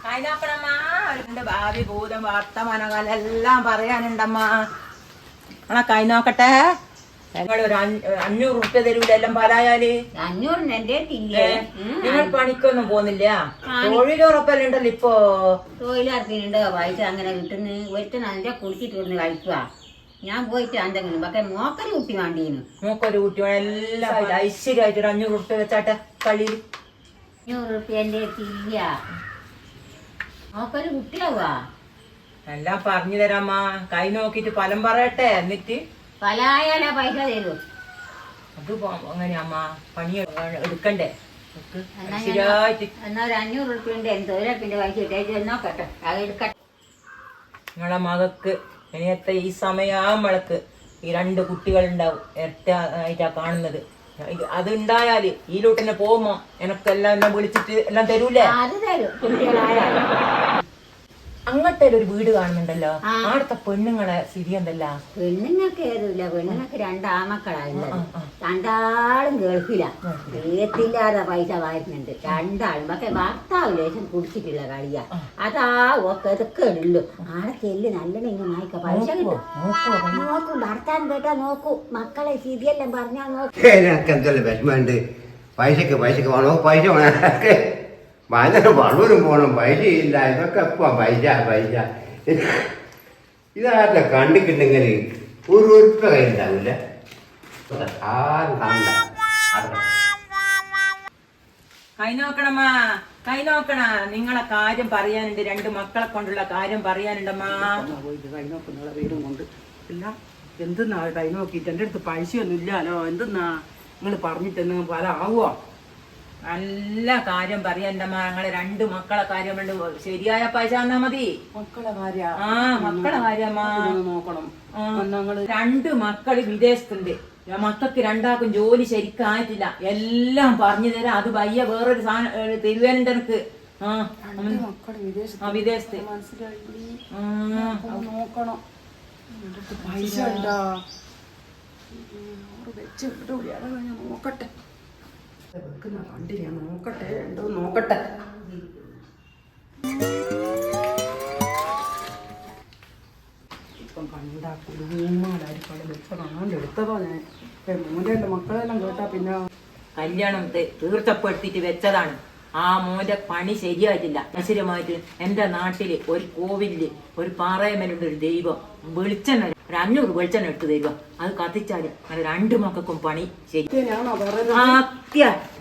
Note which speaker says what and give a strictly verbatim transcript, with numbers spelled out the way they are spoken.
Speaker 1: അതിനപ്പുറമ്മ അവരുടെ ഭാവി ഭൂതം വർത്തമാനകാലം എല്ലാം പറയാനുണ്ടമ്മ. ആ കൈ നോക്കട്ടെ. നിങ്ങൾ ഒരു അഞ്ഞൂറ് റുപ്യ തരൂല എല്ലാം പാലായാല്.
Speaker 2: അഞ്ഞൂറിന് എന്റെ തില്ലേ
Speaker 1: നിങ്ങൾ പണിക്കൊന്നും പോകുന്നില്ല? തൊഴിലുറപ്പെല്ലാം ഉണ്ടല്ലോ ഇപ്പൊ.
Speaker 2: തൊഴിലുറപ്പിനുണ്ട് പൈസ അങ്ങനെ കിട്ടുന്നു. ഒരുത്തൻ അതിന്റെ കുളിച്ചിട്ട് വന്ന് കഴിക്കുക. ഞാൻ പോയിട്ട് എന്തെങ്കിലും പക്ഷെ മോക്കൊരു കുട്ടി വേണ്ടീന്.
Speaker 1: മോക്കൊരു കുട്ടി എല്ലാം ഐശ്വര്യമായിട്ട് ഒരു അഞ്ഞൂറ് റുപ്യ വെച്ചാട്ടെ കളിയിൽ.
Speaker 2: അഞ്ഞൂറ് റുപ്യ എന്റെ തില്ല. മോക്കൊരു കുട്ടിയാവാ.
Speaker 1: എല്ലാം പറഞ്ഞു തരാമ്മ. കൈ നോക്കിട്ട് ഫലം പറയട്ടെ. എന്നിട്ട്
Speaker 2: പലായാലാ പൈസ തരൂ.
Speaker 1: അത് അങ്ങനെയമ്മ പണി എടുക്കണ്ടേ.
Speaker 2: എന്നാ ഒരു അഞ്ഞൂറ് റുപ്യ ഉണ്ട്. എന്റെ തൊഴിലുറപ്പിന്റെ പൈസ ഇട്ടേച്ച് നോക്കട്ടെ. അത് എടുക്കട്ടെ.
Speaker 1: നിങ്ങളെ മകക്ക് ഇനിയത്തെ ഈ സമയാകുമ്പോഴേക്ക് ഈ രണ്ട് കുട്ടികളുണ്ടാവും. ഇരട്ട ആയിട്ടാ കാണുന്നത്. അത് ഉണ്ടായാല് ഈ ലൂട്ടിനെ പോകുമ്പോ എനക്കെല്ലാം എല്ലാം വിളിച്ചിട്ട് എല്ലാം തരൂലേ?
Speaker 2: അത് തരും കുട്ടികളായാലും.
Speaker 1: അങ്ങനത്തെ ഒരു വീട് കാണുന്നുണ്ടല്ലോ. അവിടുത്തെ പെണ്ണുങ്ങളെ സ്ഥിതി എന്തല്ല?
Speaker 2: പെണ്ണുങ്ങൾക്ക് ഏതുമില്ല. പെണ്ണുങ്ങൾക്ക് രണ്ടാമക്കളായില്ലത്. രണ്ടാളും ഗൾഫിലാ. ഏത്തില്ലാതെ പൈസ വായിരുന്നുണ്ട് രണ്ടാളും. പക്ഷെ ഭർത്താവ് ലേശം കുടിച്ചിട്ടുള്ള കളിയാ. അതാ ഒക്കെ ഉള്ളു. ആളെ ചെല്ല് നല്ലോണം ഇങ്ങനെ വായിക്ക. പൈസ കിട്ടും. നോക്കൂ ഭർത്താവ് കേട്ടാ നോക്കൂ. മക്കളെ സ്ഥിതിയെല്ലാം പറഞ്ഞാ നോക്കൂ.
Speaker 3: എന്തല്ലേ വിഷമമുണ്ട്. പൈസക്ക് പൈസക്ക് വേണോ? പൈസ വേണോ? വളരെ വളരും പോണം. പൈസയില്ല. ഇതൊക്കെ എപ്പോ പൈസ പൈസ ഇതാരുടെ കണ്ടിട്ടുണ്ടെങ്കിൽ ഒരു ഉറുപ്പ കയ്യിലുണ്ടാവില്ല. ആരും കണ്ട
Speaker 1: കൈ നോക്കണമ്മ. കൈ നോക്കണ. നിങ്ങളെ കാര്യം പറയാനുണ്ട്. രണ്ട് മക്കളെ കൊണ്ടുള്ള കാര്യം പറയാനുണ്ടമ്മ.
Speaker 4: കൈ നോക്കുന്ന വീടും കൊണ്ട് എല്ലാം എന്തെന്നാ കൈ നോക്കിയിട്ട് എൻ്റെ അടുത്ത് പൈസയൊന്നും ഇല്ലാലോ. എന്തെന്നാ നിങ്ങൾ പറഞ്ഞിട്ട് പല ആവുക.
Speaker 1: നല്ല കാര്യം പറയാൻ്റമ്മ. ഞങ്ങളെ രണ്ട് മക്കളെ കാര്യം കൊണ്ട് ശരിയായ പൈസ തന്നാ മതി.
Speaker 4: മക്കളെ കാര്യ
Speaker 1: ആ മക്കളെ കാര്യമ്മ
Speaker 4: നോക്കണം.
Speaker 1: രണ്ട് മക്കള് വിദേശത്തുണ്ട്. മക്കൾക്ക് രണ്ടാക്കും ജോലി ശരിക്കായിട്ടില്ല. എല്ലാം പറഞ്ഞു തരാം. അത് വയ്യ വേറൊരു സാധനം തരുവേനുണ്ട് എനിക്ക്. ആ വിദേശത്ത്
Speaker 4: നോക്കണം. പൈസ ഉണ്ടാ വെച്ച് നോക്കട്ടെ. വെക്കുന്ന വണ്ടി ഞാൻ നോക്കട്ടെ. ഉണ്ടോ നോക്കട്ടെ. ഇപ്പം കണ്ടാ കുടുംബമായിരിക്കും വെച്ച കാണാണ്ട് എടുത്തതോ ഞാൻ. മോൻ്റെ മക്കളെല്ലാം കേട്ടാ പിന്നെ
Speaker 1: കല്യാണം തീർച്ചപ്പെടുത്തിട്ട് വെച്ചതാണ്. ആ മോന്റെ പണി ശരിയായിട്ടില്ല. അശുരമായിട്ട് എന്റെ നാട്ടില് ഒരു കോവിലില് ഒരു പാറയമലുണ്ട് ഒരു ദൈവം. വെളിച്ചെണ്ണ ഒരു അഞ്ഞൂറ് വെളിച്ചെണ്ണ എടുത്ത് തരുക. അത് കത്തിച്ചാല് അങ്ങനെ രണ്ടു മക്കൾക്കും പണി ശരി.
Speaker 4: ഞാനോ പറയുന്നത്?
Speaker 1: സത്യ